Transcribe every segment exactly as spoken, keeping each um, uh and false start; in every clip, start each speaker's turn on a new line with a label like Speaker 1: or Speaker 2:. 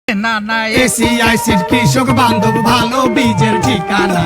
Speaker 1: না না
Speaker 2: এসিআইসির কৃষক বান্ধব ভালো বীজের ঠিকানা।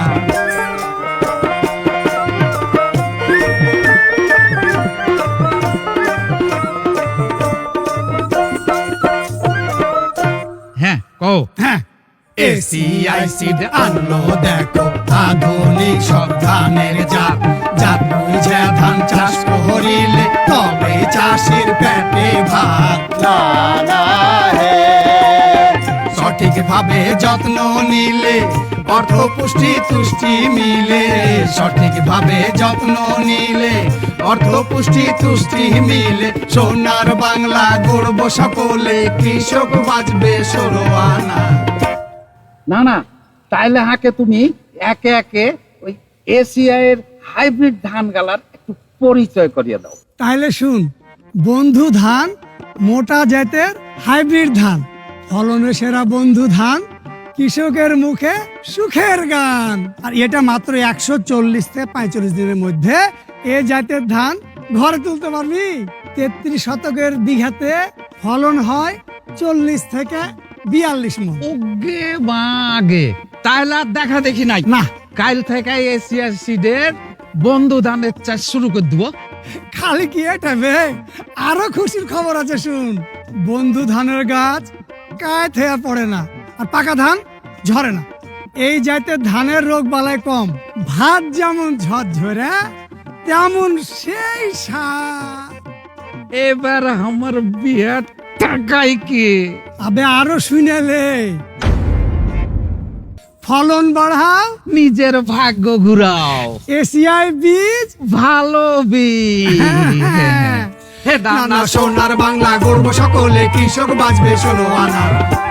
Speaker 1: হ্যাঁ কও
Speaker 2: হ্যাঁ, এসিআইসির আনলো দেখো আধুনিক সব ধানের জাত। জাত বুঝে ধান চাষ করিলে তবে চাষির পেটে ভাত। লা লা হে। সঠিক ভাবে যত্ন নিলে অর্থ পুষ্টি তুষ্টি মিলে। সঠিক ভাবে যত্ন নিলে অর্থ পুষ্টি তুষ্টি মিলে। সোনার বাংলা গড়ব সকলে, কৃষক বাঁচবে ষোলো আনা।
Speaker 1: না না তাইলে হাকে তুমি একে একে ওই এসিআই এর হাইব্রিড ধান গালার একটু পরিচয় করিয়ে দাও।
Speaker 2: তাহলে শুন, বন্ধু ধান মোটা জাতের হাইব্রিড ধান, ফলনে সেরা বন্ধু ধান, কৃষকের মুখে সুখের গান। আর এটা মাত্র একশো চল্লিশ থেকে পঁয়তাল্লিশ দিনের মধ্যে এ জাতের ধান ঘরে তুলতে পারবি। তেত্রিশ শতকের বিঘাতে ফলন হয় চল্লিশ থেকে বিয়াল্লিশ মন।
Speaker 1: ওগে বাগে তাইলে আর দেখা দেখি নাই
Speaker 2: না,
Speaker 1: কাল থেকে এসিআই সিডের বন্ধু ধানের চাষ শুরু করে দিব।
Speaker 2: খালি কি এটা বে, আরো খুশির খবর আছে শুন। বন্ধু ধানের গাছ কায় থেয়া পড়ে না, আর পাকা ধান ঝরে না। এই জাতের ধানের রোগ বালাই কম, ভাত যেমন ঝরঝরে তেমন সেই স্বাদ।
Speaker 1: এবার আমার বিয়ার টাকাই কি
Speaker 2: আবে আরো শুনেলে, ফলন বাড়াও,
Speaker 1: নিজের ভাগ্য ঘুরাও,
Speaker 2: এসিআই বীজ
Speaker 1: ভালো বীজ। হে
Speaker 2: না না সোনার বাংলা গড়ব সকলে, কৃষক বাঁচবে ষোলো আনা।